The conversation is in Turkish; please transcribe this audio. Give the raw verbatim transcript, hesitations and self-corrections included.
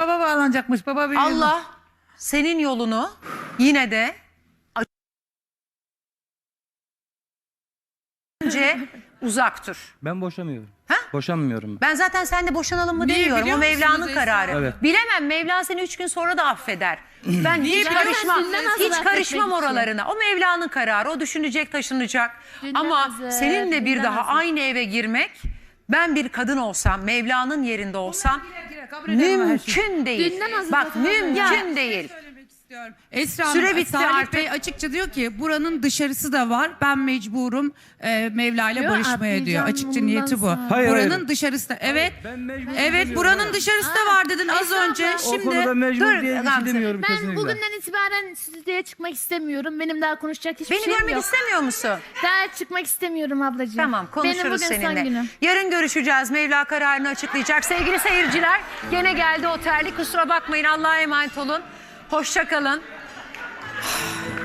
Baba bağlanacakmış. Baba bir Allah senin yolunu yine de önce uzak dur. Ben boşamıyorum. Ha? Boşanmıyorum. Ben zaten seninle boşanalım mı Niye demiyorum. O biliyor Mevla'nın musunuz kararı. Esra? Evet. Bilemem, Mevla seni üç gün sonra da affeder. Ben hiç biliyor karışmam. musun? Nasıl Hiç affetmek karışmam için? oralarına. O Mevla'nın kararı. O düşünecek, taşınacak. Dünden Ama hazır, seninle bir dünden daha hazır. aynı eve girmek, ben bir kadın olsam, Mevla'nın yerinde olsam Kabul ederim her şeyi. mümkün değil. Dünden hazır Bak zaten. mümkün değil. Söylemek istiyorum. Esra Süre Hanım, bitti Salih artık. Bey açıkça diyor ki buranın dışarısı da var. Ben mecburum e, Mevla ile Diyor, barışmaya atlayacağım diyor. Açıkça bundan niyeti bu. sonra. Hayır, buranın hayır. dışarısı da. Evet. Ben mecbur Evet, demiyorum. buranın dışarısı da var dedin az Esra önce. abla. O Şimdi konuda mecbur Dur, diye bir Gamze. şey demiyorum Ben kesinlikle. bugünden itibaren stüdyoya çıkmak istemiyorum. Benim daha konuşacak hiçbir Beni şeyim görmek yok. istemiyor musun? Daha çıkmak istemiyorum ablacığım. Tamam, konuşuruz Benim bugün seninle. son günüm. Yarın görüşeceğiz. Mevla kararını açıklayacak. Sevgili seyirciler, gene geldi o terlik. Kusura bakmayın. Allah'a emanet olun. Hoşça kalın.